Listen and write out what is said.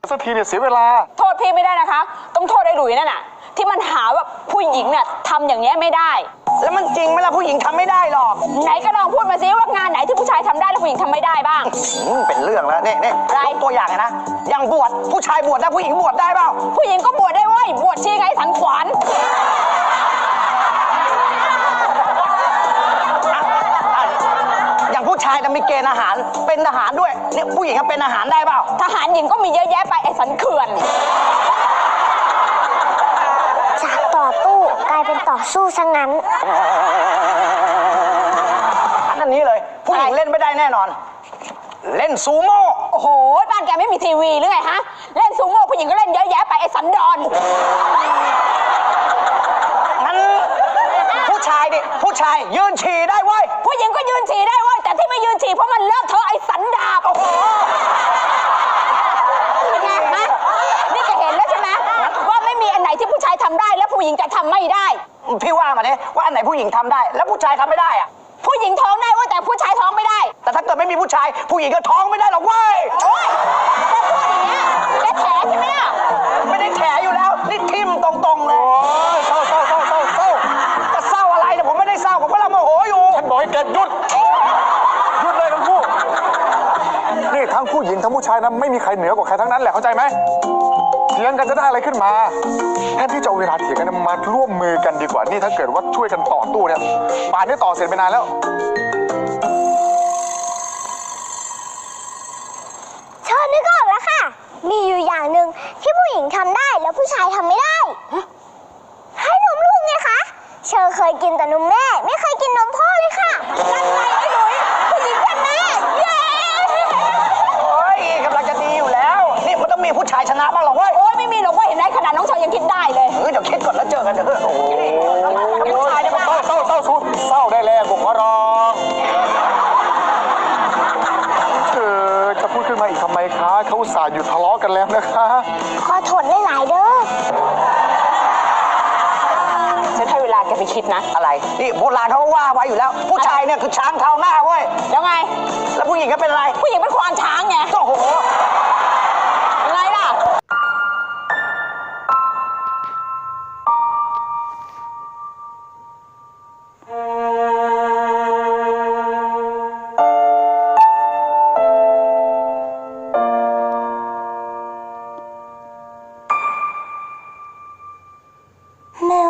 สักทีเนี่ยเสียเวลาโทษพี่ไม่ได้นะคะต้องโทษไอ้หลุยนั่นน่ะที่มันหาว่าผู้หญิงเนี่ยทำอย่างเงี้ยไม่ได้แล้วมันจริงไหมล่ะผู้หญิงทำไม่ได้หรอกไหนก็ลองพูดมาสิว่างานไหนที่ผู้ชายทำได้แล้วผู้หญิงทำไม่ได้บ้างเป็นเรื่องแล้วนี่ยกตัวอย่างนะอย่างบวชผู้ชายบวชได้ผู้หญิงบวชได้เปล่าผู้หญิงก็บวชได้เว้ยบวชชีไงสันขวานอย่างผู้ชายจะมีเกณฑ์อาหารเป็นทหารด้วยเนี่ยผู้หญิงก็เป็นอาหารได้เปล่าทหารหญิงก็มีเยอะแยะไปไอ้สันเขื่อนจากต่อตู้กลายเป็นต่อสู้ซะงั้นอันนี้เลยผู้หญิงเล่นไม่ได้แน่นอนเล่นซูโม่โอ้โหบ้านแกไม่มีทีวีหรือไงฮะเล่นซูโม่ผู้หญิงก็เล่นเยอะแยะไปไอ้สันดอนงั้นผู้ชายดิผู้ชายยืนฉี่ได้เว้ยผู้หญิงก็ยืนฉี่ได้เว้ยแต่ที่ไม่ยืนฉี่เพราะมันเลอะเทอะไอ้สันดาบโอ้โหเป็นไงฮะนี่แกเห็นแล้วใช่ไหมว่าไม่มีอันไหนที่ผู้ชายทำได้แล้วผู้หญิงจะทำไม่ได้พี่ว่ามาเนี่ยว่าอันไหนผู้หญิงทำได้แล้วผู้ชายทำไม่ได้อะผู้หญิงท้องได้ว่าแต่ผู้ชายท้องไม่ได้แต่ถ้าเกิดไม่มีผู้ชายผู้หญิงก็ท้องไม่ได้หรอกเว้ยโอ๊ยแกพูดอย่างเงี้ยแกแถใช่ไหมล่ะไม่ได้แถอยู่แล้วนี่ทิ่มตรงๆเลยโอ้ยเศร้าจะเศร้าอะไรเนี่ยผมไม่ได้เศร้าผมกำลังโมโหอยู่ฉันบอกให้แกหยุดเลยทั้งคู่นี่ทั้งผู้หญิงทั้งผู้ชายนะไม่มีใครเหนือกว่าใครทั้งนั้นแหละเข้าใจไหมเถียงกันจะได้อะไรขึ้นมาแทนที่จะเอาเวลาเถียงกันมาร่วมมือกันดีกว่านี่ถ้าเกิดว่าช่วยกันต่อตู้เนี่ยป่านนี้ต่อเสร็จไปนานแล้วเชิญนึกออกแล้วค่ะมีอยู่อย่างหนึ่งที่ผู้หญิงทำได้แล้วผู้ชายทำไม่ได้ให้นมลูกไงคะเชอเคยกินแต่นมแม่ไม่เคยกินนมพ่อเลยค่ะนั่นไงไอ้หลุยผู้หญิงชนะเย้โอ้ยกำลังจะดีอยู่แล้วนี่มันต้องมีผู้ชายชนะบ้างหรอเว้ยโอ้ยไม่มีหรอกว่าเห็นไหมขนาดน้องเชอยังคิดได้เลยเดี๋ยวคิดก่อนแล้วเจอกันเถอะโอ้ยผู้ชายเนี่ยเศร้าได้แล้วบุกขอร้องจะพูดขึ้นมาอีกทำไมคะเขาอุตส่าห์หยุดทะเลาะกันแล้วนะคะขอทนได้หลายเด้อฉันให้เวลาแกไปคิดนะอะไรนี่โบราณเขาว่าไว้อยู่แล้วผู้ชายเนี่ยคือช้างเท้าหน้าเว้ยแล้วไงแล้วผู้หญิงก็เป็นอะไรผู้หญิงเป็นควานช้างไงโอ้โห